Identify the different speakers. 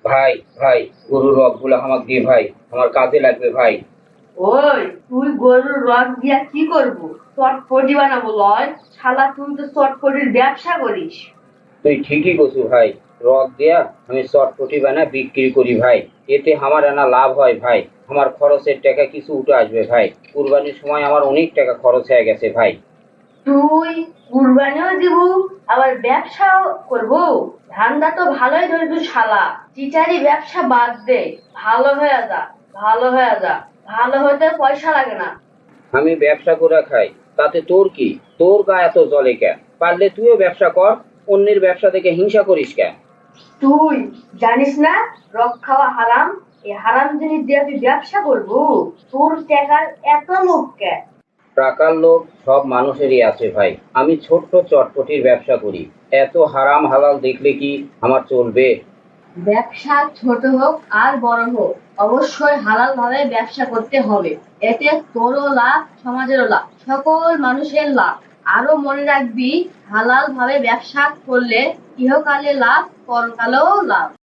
Speaker 1: ভাই ভাই, গরুর রগগুলো আমাকে দিয়ে ভাই, আমার কাজে লাগবে ভাই।
Speaker 2: ওই তুই গরুর রগ দিয়া কি করবো? চটপটি বানাবো লয়। শালা তুই তো চটপটির ব্যবসা করিস।
Speaker 1: তুই ঠিকই কছু ভাই। রগ দিয়া আমি চটপটি বানা বিক্রি করি ভাই। এতে আমার আনা লাভ হয় ভাই। আমার খরচের টাকা কিছু উঠে আসবে ভাই। কুরবানির সময় আমার অনেক টাকা খরচ হয়ে গেছে ভাই।
Speaker 2: তুই কুরবানিও দিব, আবার ব্যবসাও করবো? ধান্দা তো ভালোই ধরবি শালা। চিটারি ব্যবসা বাদ দে, ভালো হয়ে যা। ভালো হয়ে যা। ভালো হতে পয়সা লাগে না।
Speaker 1: আমি ব্যবসা করে খাই, তাতে তোর কি? তোর গা এত জ্বলে কেন? পারলে তুইও ব্যবসা কর। অন্যের ব্যবসা দেখে হিংসা করিস কেন?
Speaker 2: তুই জানিস না রক খাওয়া হারাম? এই হারাম জিনিস দিয়ে তুই ব্যবসা করবো? তোর টাকার এত লোভ কে?
Speaker 1: টাকার লোভ সব মানুষেরই আছে ভাই। আমি ছোট্ট চটপটির ব্যবসা করি। এত হারাম হালাল দেখলে কি আমার চলবে?
Speaker 2: ব্যবসা ছোট হোক আর বড় হোক, অবশ্যই হালাল ভাবে ব্যবসা করতে হবে। এতে তোরও লাভ, সমাজেরও লাভ, সকল মানুষের লাভ। আরো মনে রাখবি, হালাল ভাবে ব্যবসা করলে ইহকালে লাভ, পরকালেও লাভ।